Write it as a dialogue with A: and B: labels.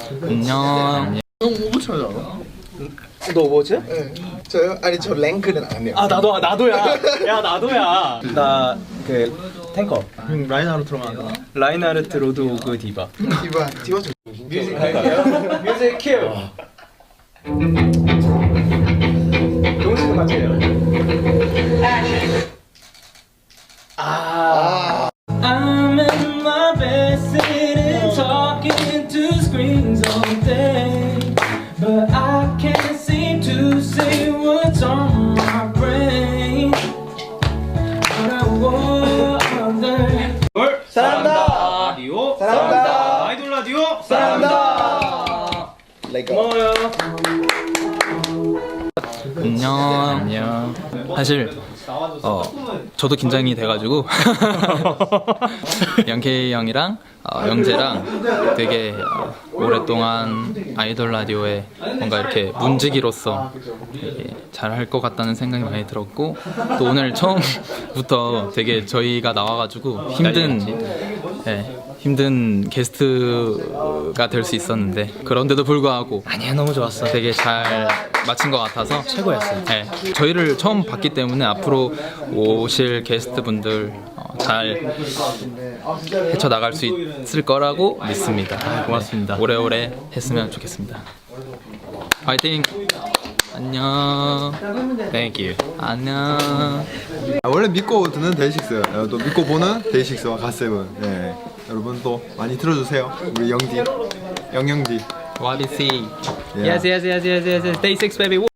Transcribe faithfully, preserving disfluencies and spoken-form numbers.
A: 안녕.
B: 형 오버워치 하지 않아?
C: 너 오버워치?
B: 네. 저요? 아니 저 랭크는 안 해요.
C: 아 나도 나도야. 야 나도야. 나 그 탱커.
B: 형 라인하르트로만 하잖아.
C: 라인하르트 로드 오브 디바.
B: 디바 디바 좀.
C: 뮤직 갈게요. 뮤직 큐. 동시에 같이 해요. 아. I'm in my bed sitting talking to screens all day, but I can't seem to say what's on my brain. But I wonder. 사랑합니다. 라디오. 사랑합니다. 아이돌 라디오. 사랑합니다. 고마워요.
A: 안녕. 안녕. 사실 어 저도 긴장이 돼가지고 영케이 형이랑 어, 영재랑 되게 어, 오랫동안 아이돌 라디오에 뭔가 이렇게 문지기로서 잘할 것 같다는 생각이 많이 들었고, 또 오늘 처음부터 되게 저희가 나와가지고 힘든 네, 힘든 게스트가 될 수 있었는데, 그런데도 불구하고
C: 아니야, 너무 좋았어.
A: 되게 잘 마친 것 같아서
C: 최고였어요.
A: 네, 저희를 처음 봤기 때문에 앞으로 오실 게스트분들 어, 잘 헤쳐나갈 수 있을 거라고 믿습니다.
C: 아, 고맙습니다.
A: 네, 오래오래 했으면 좋겠습니다. 파이팅! 안녕.
C: Thank you.
A: 안녕.
D: 아, 원래 믿고 듣는 데이식스, 어, 또 믿고 보는 데이식스와 갓세븐. 네. 여러분 또 많이 들어주세요. 우리 영디, 영영디.
A: What is he?
D: Yeah.
A: Yes, yes, yes, yes, yes, yes. Day six, baby.